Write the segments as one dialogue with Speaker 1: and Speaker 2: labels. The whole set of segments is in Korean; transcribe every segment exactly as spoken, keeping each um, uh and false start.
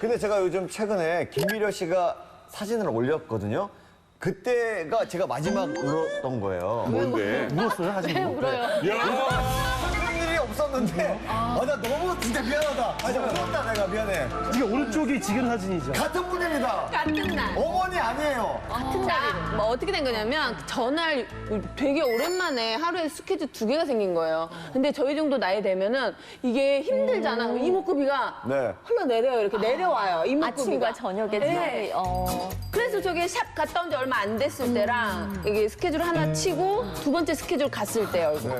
Speaker 1: 근데 제가 요즘 최근에 김미려 씨가 사진을 올렸거든요. 그때가 제가 마지막 울었던 거예요.
Speaker 2: 뭔데?
Speaker 3: 울었어요, 사진?
Speaker 4: 왜 울어요?
Speaker 1: 그런 일이 없었는데 아, 나 너무 진짜 미안하다. 아, 진짜 울었다 내가 미안해.
Speaker 3: 이게 오른쪽이 지금 사진이죠?
Speaker 1: 같은 분입니다.
Speaker 4: 같은 날.
Speaker 1: 어머니 아니에요.
Speaker 4: 같은 날이래. 뭐 어떻게 된 거냐면 전날 되게 오랜만에 하루에 스케줄 두 개가 생긴 거예요. 근데 저희 정도 나이 되면은 이게 힘들잖아. 이목구비가
Speaker 1: 네.
Speaker 4: 흘러내려요. 이렇게 내려와요. 이목구비가.
Speaker 5: 아침과 저녁에
Speaker 4: 네.
Speaker 5: 차이. 어.
Speaker 4: 그래서 저게 샵 갔다 온 지 얼마 안 됐을 때랑 이게 스케줄 하나 치고 두 번째 스케줄 갔을 때요.
Speaker 1: 네.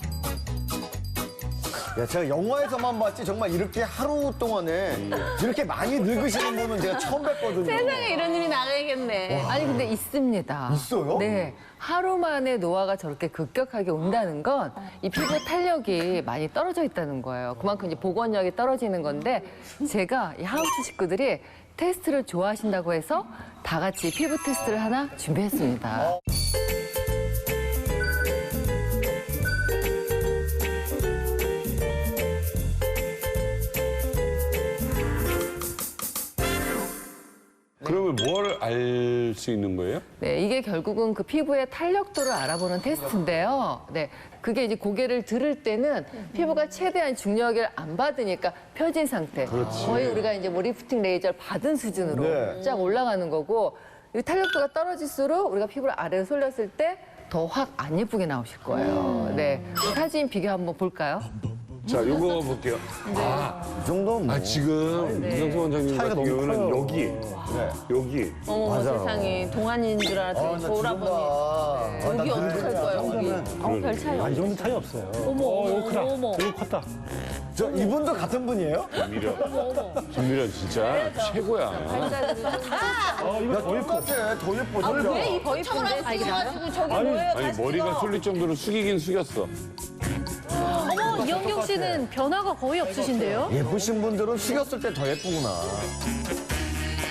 Speaker 1: 야, 제가 영화에서만 봤지 정말 이렇게 하루 동안에 이렇게 많이 늙으시는 분은 제가 처음 뵀거든요.
Speaker 4: 세상에 이런 일이 나가야겠네.
Speaker 6: 아니 근데 있습니다.
Speaker 1: 있어요?
Speaker 6: 네. 하루 만에 노화가 저렇게 급격하게 온다는 건 이 피부 탄력이 많이 떨어져 있다는 거예요. 그만큼 이제 복원력이 떨어지는 건데 제가 이 하우스 식구들이 테스트를 좋아하신다고 해서 다 같이 피부 테스트를 하나 준비했습니다.
Speaker 2: 그러면 뭘 알 수 있는 거예요?
Speaker 6: 네, 이게 결국은 그 피부의 탄력도를 알아보는 테스트인데요. 네, 그게 이제 고개를 들을 때는 피부가 최대한 중력을 안 받으니까 펴진 상태. 거의 우리가 이제 뭐 리프팅 레이저를 받은 수준으로
Speaker 1: 네.
Speaker 6: 쫙 올라가는 거고, 이 탄력도가 떨어질수록 우리가 피부를 아래로 솔렸을 때 더 확 안 예쁘게 나오실 거예요. 네, 사진 비교 한번 볼까요?
Speaker 2: 자, 요거 볼게요. 아,
Speaker 1: 이 정도면 뭐.
Speaker 2: 아, 지금 이경수 원장님
Speaker 1: 차이가
Speaker 2: 같은
Speaker 1: 너무
Speaker 2: 경우는
Speaker 1: 커요.
Speaker 2: 여기,
Speaker 1: 네.
Speaker 2: 여기.
Speaker 4: 어머
Speaker 1: 맞아요.
Speaker 4: 세상에 동안인 줄
Speaker 1: 아,
Speaker 4: 알았더니
Speaker 1: 나
Speaker 4: 저오라버니.
Speaker 1: 죽는다.
Speaker 4: 여기
Speaker 1: 아, 나
Speaker 4: 어떡할
Speaker 1: 늙은다.
Speaker 4: 거야 여기.
Speaker 5: 어, 별 차이
Speaker 3: 아, 이
Speaker 5: 없어.
Speaker 3: 정도 차이 없어요.
Speaker 5: 어머,
Speaker 3: 어, 이거 크다.
Speaker 5: 어머.
Speaker 3: 이거 컸다.
Speaker 1: 저 이분도 같은 분이에요?
Speaker 2: 김미려. 김미려 진짜 최고야.
Speaker 3: 어, 이거 더 예뻐.
Speaker 1: 똑같아. 더 예뻐. 진짜.
Speaker 4: 왜이 거창을 가지고 저게
Speaker 3: 아니,
Speaker 4: 뭐예요?
Speaker 2: 아니,
Speaker 4: 다시
Speaker 2: 머리가
Speaker 4: 찍어.
Speaker 2: 쏠릴 정도로 숙이긴 숙였어.
Speaker 5: 어머, 이영경 씨는 변화가 거의 없으신데요?
Speaker 1: 예쁘신 분들은 숙였을 때 더 예쁘구나.